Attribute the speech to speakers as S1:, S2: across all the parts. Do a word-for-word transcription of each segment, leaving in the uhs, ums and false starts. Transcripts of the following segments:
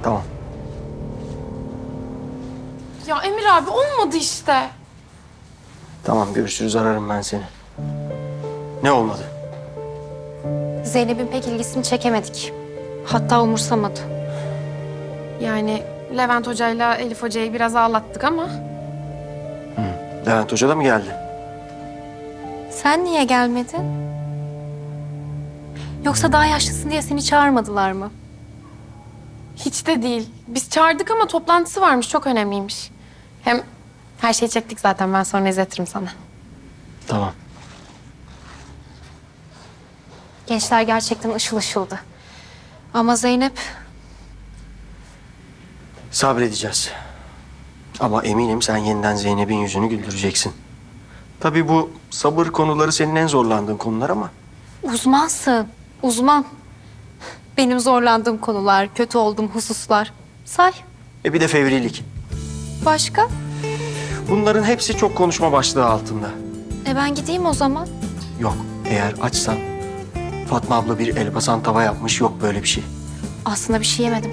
S1: Tamam.
S2: Ya Emir abi olmadı işte.
S1: Tamam görüşürüz, ararım ben seni. Ne olmadı?
S3: Zeynep'in pek ilgisini çekemedik. Hatta umursamadı.
S2: Yani Levent Hoca'yla Elif Hoca'yı biraz ağlattık ama...
S1: Levent Hoca da mı geldi?
S3: Sen niye gelmedin? Yoksa daha yaşlısın diye seni çağırmadılar mı?
S2: Hiç de değil. Biz çağırdık ama toplantısı varmış, çok önemliymiş. Hem her şeyi çektik zaten, ben sonra izletirim sana.
S1: Tamam.
S3: Gençler gerçekten ışıl ışıldı. Ama Zeynep
S1: Sabredeceğiz. Ama eminim sen yeniden Zeynep'in yüzünü güldüreceksin. Tabii bu sabır konuları senin en zorlandığın konular ama...
S3: uzmansın. Uzman. Benim zorlandığım konular, kötü olduğum hususlar. Say.
S1: E bir de fevrilik.
S3: Başka?
S1: Bunların hepsi çok konuşma başlığı altında.
S3: E ben gideyim o zaman.
S1: Yok, eğer açsan Fatma abla bir elbasan tava yapmış, yok böyle bir şey.
S3: Aslında bir şey yemedim.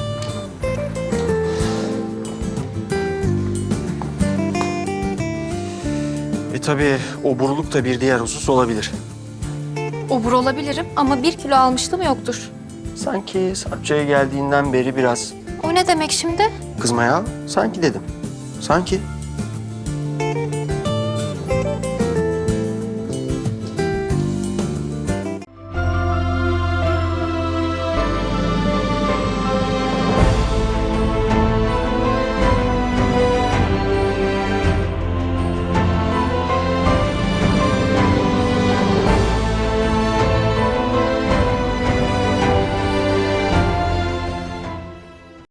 S1: E tabii oburluk da bir diğer husus olabilir.
S3: Obur olabilirim ama bir kilo almışlığım yoktur.
S1: Sanki Sarpça'ya geldiğinden beri biraz
S3: O ne demek şimdi?
S1: kızma ya. Sanki dedim. Sanki.